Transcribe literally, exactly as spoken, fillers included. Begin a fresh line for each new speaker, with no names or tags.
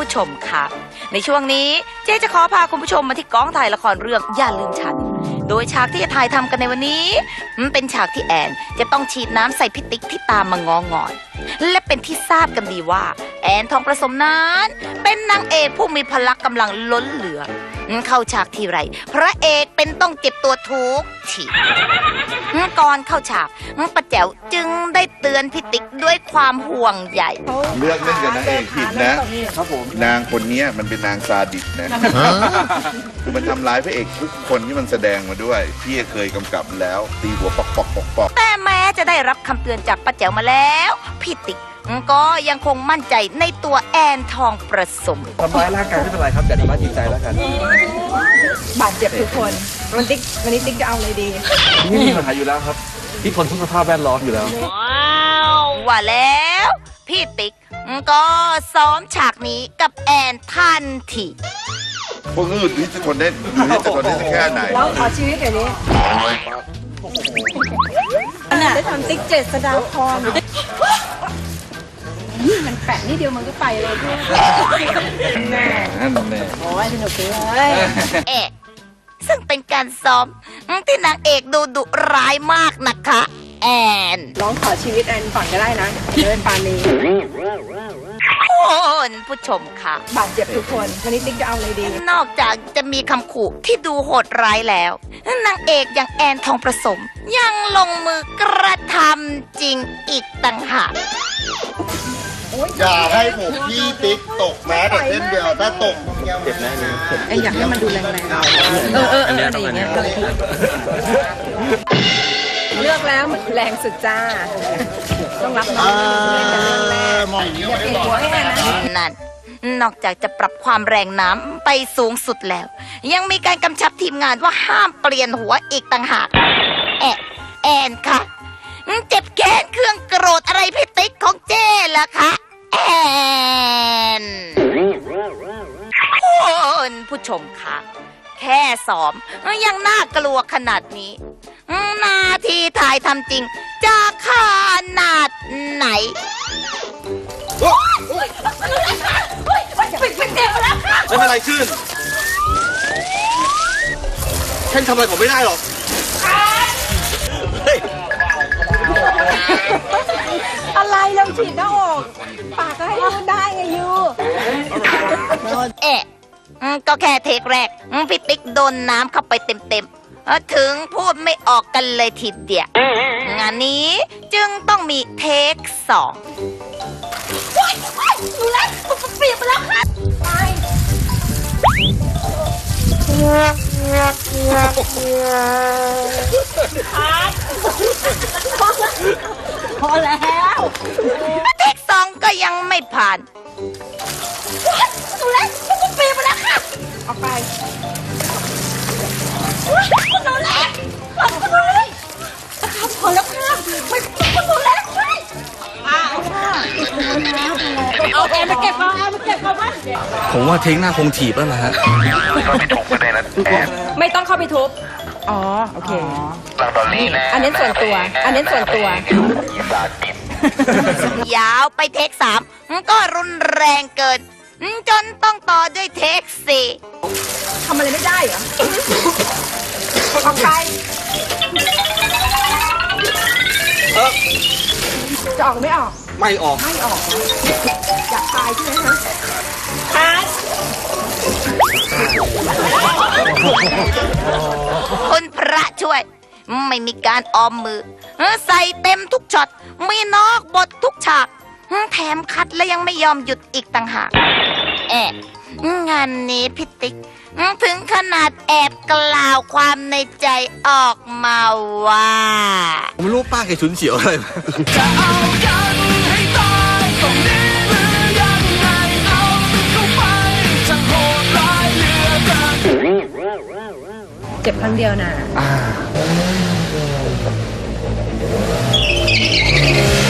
ผู้ชมค่ะในช่วงนี้เจ๊จะขอพาคุณผู้ชมมาที่กองถ่ายละครเรื่องอย่าลืมฉันโดยฉากที่จะถ่ายทำกันในวันนี้มันเป็นฉากที่แอนจะต้องฉีดน้ำใส่พิติกที่ตามมางองอนและเป็นที่ทราบกันดีว่าแอนทองประสมนั้นเป็นนางเอกผู้มีพละกำลังล้นเหลือเข้าฉากทีไรพระเอกเป็นต้องเจ็บตัวทุกทีก่อนเข้าฉากป้าแจ๋วจึงได้เตือนพิติกด้วยความห่วงใย
เลือกเล่นกับนางเอกผิดนะครับผมนางคนนี้มันเป็นนางซาดิสนะคือมันทำร้ายพระเอกทุกคนที่มันแสดงมาด้วยพี่เคยกำกับแล้วตีหัวปอกปอกปอกปอก
แต่แม้จะได้รับคำเตือนจากป้าแจ๋วมาแล้วพิติกก็ยังคงมั่นใจในตัวแอนทองประสม
ทำร้ายร่างกายไม่เป็นไรครับแต่ทำร้ายจิตใจแล้วกัน
บาดเจ็บทุกคนวันติ๊กวันนี้ติ๊กจะเอาอะไรดี
นี่มีปัญหาอยู่แล้วครับที่ทนทุกสภาพแวดล้อมอยู่แล้ว
ว้าวว่าแล้วพี่ติ๊กก็ซ้อมฉากนี้กับแอนทันที
พวกอื่นนี่จะทนได้หรือจะทนได้แค่ไหน
แล้วขอชีวิตเดี๋ยวนี้ได้ทำติ๊กเจ็ดสดาพรมันแปะนิดเดียวมันก็ไปเลยพี่แน่นั่นแน่โอ้ยสนุกเลย
เอ๊ะซึ่งเป็นการซ้อมที่นางเอกดูดุร้ายมากนะคะแอน
ร้องขอชีวิตแอนก่อนก็ได้นะเดินปานี
คุณผู้ชมค่ะ
บาดเจ็บทุกคนวันนี้ติ๊กจะเอาอะไรดี
นอกจากจะมีคำขู่ที่ดูโหดร้ายแล้วนางเอกอย่างแอนทองประสมยังลงมือกระทำจริงอีกต่างหาก
อย่าให้ผมพี่ติ๊กตกแม้แต่เส้นเดียวถ้าตก
เจ็บแน่เลย
ไออยากให้มันดูแรงๆเออเอออะไรอย่างเงี้ยเลือกแล้วมันแรงสุดจ้าต้องรับน้องแรงอย่าเปลี่ยนหัวให้แน่นะ
นั่นนอกจากจะปรับความแรงน้ำไปสูงสุดแล้วยังมีการกำชับทีมงานว่าห้ามเปลี่ยนหัวอีกต่างหากแอนแอนค่ะเจ็บแค้นเครื่องโกรธอะไรพี่ติ๊กของเจ้ล่ะคะแอนคุณผู้ชมค่ะแค่ซ้อมยังน่ากลัวขนาดนี้นาทีถ่ายทำจริงจะขนาดไหน
ไม่เป็นไรขึ้นฉันทำอะไรผมไม่ได้หรอก
อะไรเราฉีดหน้าอกปากก็ให้พูดได้ไงยู
เอ๊ะก็แค่เทคแรกพี่ติ๊กโดนน้ำเข้าไปเต็มๆถึงพูดไม่ออกกันเลยทีเดียวงานนี้จึงต้องมีเทคสองดูแลเปลี่ยนไปแล้วค่ะไปพอแล้วเทคสองก็ยังไม่ผ่านดูแลมันเปลี่ยนไปแล้วค่ะ
ออกไป
คุณดูแลคุณดูแลพอแล้วค่ะไม่คุณดูแลใช่เอาแอนมาเก็บเอาแอนมาเก็บเอาบ้าง
ผมว่าเทคหน้าคงถีบแล้วนะฮะ
ไม่ต้องเข้าไปทุบอ๋อโอเคอันนี้ส่วนตัวอันนี้ส่วนตั
วยาวไปเทคสามก็รุนแรงเกินจนต้องต่อด้วยเทคสี่
ทำอะไรไม่ได้เหรอออกไปจะออกไม่ออก
ไม่ออก
ไม่ออกอยากตายใช่ไหมคะตาย
คุณพระช่วยไม่มีการออมมือใส่เต็มทุกช็อตมีนอกบททุกฉากแถมคัดและยังไม่ยอมหยุดอีกต่างหากแอบงานนี้พิติกถึงขนาดแอบกล่าวความในใจออกมาว่า
ผมไม่รู้ป้าแกฉุนเฉียวอะไร
จะเอากันให้ตายตรงนี้หรือยังไงเอาเข้าไปจะโหดร้ายเหลือเกิน
เจ็บครั้งเดียวนะ